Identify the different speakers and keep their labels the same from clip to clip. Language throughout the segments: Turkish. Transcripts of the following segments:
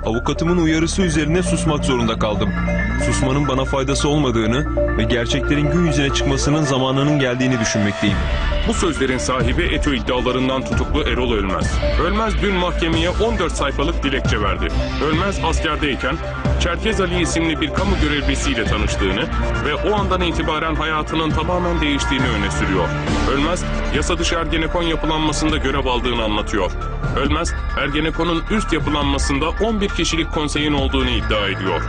Speaker 1: Avukatımın uyarısı üzerine susmak zorunda kaldım. Susmanın bana faydası olmadığını ve gerçeklerin gün yüzüne çıkmasının zamanının geldiğini düşünmekteyim.
Speaker 2: Bu sözlerin sahibi ETO iddialarından tutuklu Erol Ölmez. Ölmez dün mahkemeye 14 sayfalık dilekçe verdi. Ölmez askerdeyken Çerkez Ali isimli bir kamu görevlisiyle tanıştığını ve o andan itibaren hayatının tamamen değiştiğini öne sürüyor. Ölmez, yasa dışı Ergenekon yapılanmasında görev aldığını anlatıyor. Ölmez, Ergenekon'un üst yapılanmasında 11 kişilik konseyin olduğunu iddia ediyor.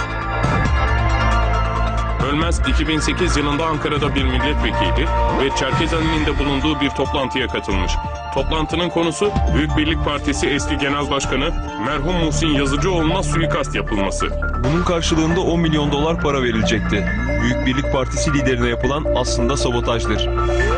Speaker 2: Ölmez, 2008 yılında Ankara'da bir milletvekili ve Çerkez Ali'nin de bulunduğu bir toplantıya katılmış. Toplantının konusu Büyük Birlik Partisi eski genel başkanı merhum Muhsin Yazıcıoğlu'na suikast yapılması.
Speaker 1: Bunun karşılığında 10 milyon dolar para verilecekti. Büyük Birlik Partisi liderine yapılan aslında sabotajdır.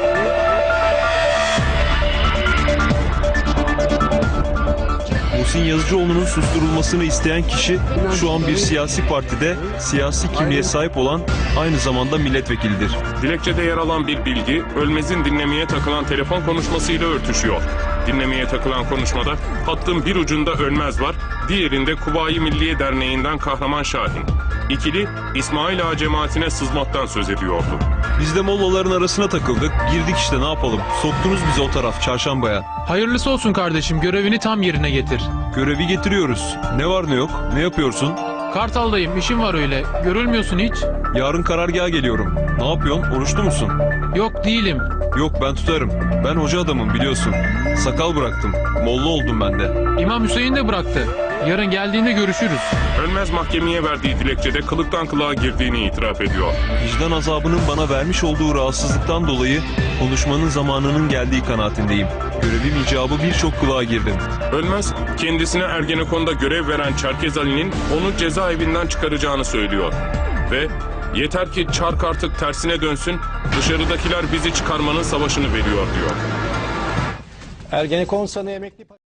Speaker 1: Muhsin Yazıcıoğlu'nun susturulmasını isteyen kişi şu an bir siyasi partide siyasi kimliğe sahip olan aynı zamanda milletvekilidir.
Speaker 2: Dilekçede yer alan bir bilgi, Ölmez'in dinlemeye takılan telefon konuşmasıyla örtüşüyor. Dinlemeye takılan konuşmada hattın bir ucunda Ölmez var, diğerinde Kuvayi Milliye Derneği'nden Kahraman Şahin. İkili İsmail Ağa cemaatine sızmaktan söz ediyordu.
Speaker 1: Biz de mollaların arasına takıldık, girdik işte ne yapalım. Soktunuz bizi o taraf çarşambaya.
Speaker 3: Hayırlısı olsun kardeşim, görevini tam yerine getir.
Speaker 1: Görevi getiriyoruz. Ne var ne yok, ne yapıyorsun?
Speaker 3: Kartal'dayım, işim var öyle. Görülmüyorsun hiç.
Speaker 1: Yarın karargaha geliyorum. Ne yapıyorsun, oruçlu musun?
Speaker 3: Yok değilim.
Speaker 1: Yok ben tutarım. Ben hoca adamım biliyorsun. Sakal bıraktım. Molla oldum ben de.
Speaker 3: İmam Hüseyin de bıraktı. Yarın geldiğinde görüşürüz.
Speaker 2: Ölmez mahkemeye verdiği dilekçede kılıktan kılığa girdiğini itiraf ediyor.
Speaker 1: Vicdan azabının bana vermiş olduğu rahatsızlıktan dolayı konuşmanın zamanının geldiği kanaatindeyim. Görevim icabı birçok kılığa girdim.
Speaker 2: Ölmez, kendisine Ergenekon'da görev veren Çerkez Ali'nin onu cezaevinden çıkaracağını söylüyor. Ve yeter ki çark artık tersine dönsün, dışarıdakiler bizi çıkarmanın savaşını veriyor diyor.
Speaker 4: Ergenekon sanığı emekli